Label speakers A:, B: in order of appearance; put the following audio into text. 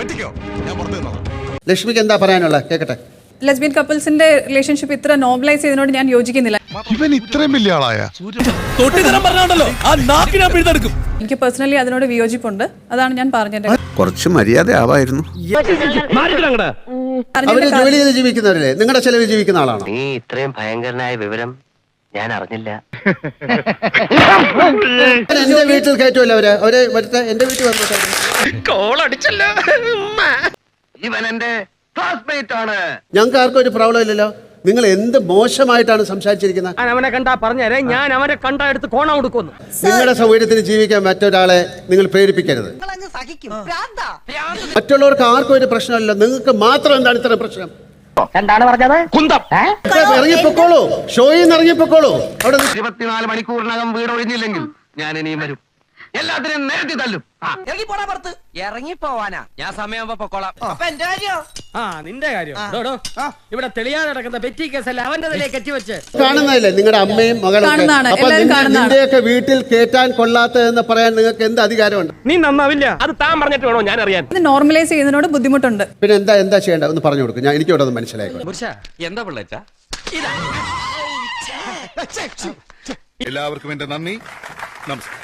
A: ലക്ഷ്മിക്ക് എന്താ പറയാനുള്ളത് കേക്കട്ടെ.
B: ലെസ്ബിയൻ കപ്പിൾസിന്റെ റിലേഷൻഷിപ്പ് ഇത്ര നോർമലൈസ് ചെയ്തതിനോട് ഞാൻ യോജിക്കുന്നില്ല.
C: ഇവൻ ഇത്രയും വലിയ ആളായ
B: എനിക്ക് പേഴ്സണലി അതിനോട് വിയോജിപ്പുണ്ട്. അതാണ് ഞാൻ പറഞ്ഞത്.
A: കുറച്ച് മര്യാദ ആവായിരുന്നു. അവര് ജോലി ചെയ്ത് ജീവിക്കുന്നവരല്ലേ, നിങ്ങളുടെ ചെലവിൽ ജീവിക്കുന്ന ആളാണോ?
D: നീ ഇത്രയും ഭയങ്കരനായ വിവരം ഞാൻ അറിഞ്ഞില്ല.
A: എന്റെ വീട്ടിൽ കയറ്റുമല്ലോ അവര് മറ്റേ എന്റെ വീട്ടിൽ വന്നു.
D: ഇവൻ എന്റെ ക്ലാസ്മേറ്റ് ആണ്.
A: ഞങ്ങൾക്ക് ആർക്കും ഒരു പ്രോബ്ലം ഇല്ലല്ലോ. നിങ്ങൾ എന്ത് മോശമായിട്ടാണ് സംസാരിച്ചിരിക്കുന്നത്.
E: അവനെ കണ്ടാ പറഞ്ഞേ, ഞാൻ അവനെ കണ്ടാ എടുത്ത് കോണ കൊടുക്കുന്നു.
A: നിങ്ങളുടെ സൗകര്യത്തിന് ജീവിക്കാൻ മറ്റൊരാളെ നിങ്ങൾ പ്രേരിപ്പിക്കരുത്. മറ്റുള്ളവർക്ക് ആർക്കും ഒരു പ്രശ്നമില്ല, നിങ്ങൾക്ക് മാത്രം എന്താണ് ഇത്ര പ്രശ്നം?
E: എന്താണ് പറഞ്ഞത്? കുന്തം
A: ഇറങ്ങിപ്പോക്കോളൂ, ഷോയിൽ നിന്ന് ഇറങ്ങിപ്പോക്കോളൂ. അവിടെ
D: 24 മണിക്കൂറിനകം വീട് ഒഴിഞ്ഞില്ലെങ്കിൽ ഞാൻ ഇനിയും വരും. എല്ലാത്തിനും നേരത്തെ തല്ലും.
E: ഇറങ്ങി പോടാ പുറത്ത്. ഇറങ്ങി പോവാനാ ഞാൻ സമയമാകുമ്പോ പൊക്കോളാം. അപ്പൊ എന്റെ കാര്യം നിന്റെ കാര്യം ഇവിടെ തെളിയാതെ നടക്കുന്ന പെറ്റി കേസല്ല അവന്റെ തലയിൽ കെട്ടിവെച്ച്
A: കാണുന്നതല്ലേ നിങ്ങളുടെ അമ്മയും മകളും. അപ്പൊ നിന്റെയൊക്കെ വീട്ടിൽ കേറ്റാൻ കൊള്ളാത്തതെന്ന് പറയാൻ നിങ്ങൾക്ക് എന്ത് അധികാരമുണ്ട്?
E: നീ നന്നാവില്ല. അത് താൻ പറഞ്ഞിട്ട് വേണോ ഞാൻ അറിയാൻ.
B: നോർമലൈസ് ചെയ്യുന്നതിനോട് ബുദ്ധിമുട്ടുണ്ട്.
A: പിന്നെ എന്താ ചെയ്യേണ്ടത് ഒന്ന് പറഞ്ഞു കൊടുക്കും. ഞാൻ എനിക്ക് ഇവിടെ ഒന്ന് മനസ്സിലായി.
E: എന്താ പിള്ളേച്ചാ?
C: എല്ലാവർക്കും എന്റെ നന്ദി, നമസ്കാരം.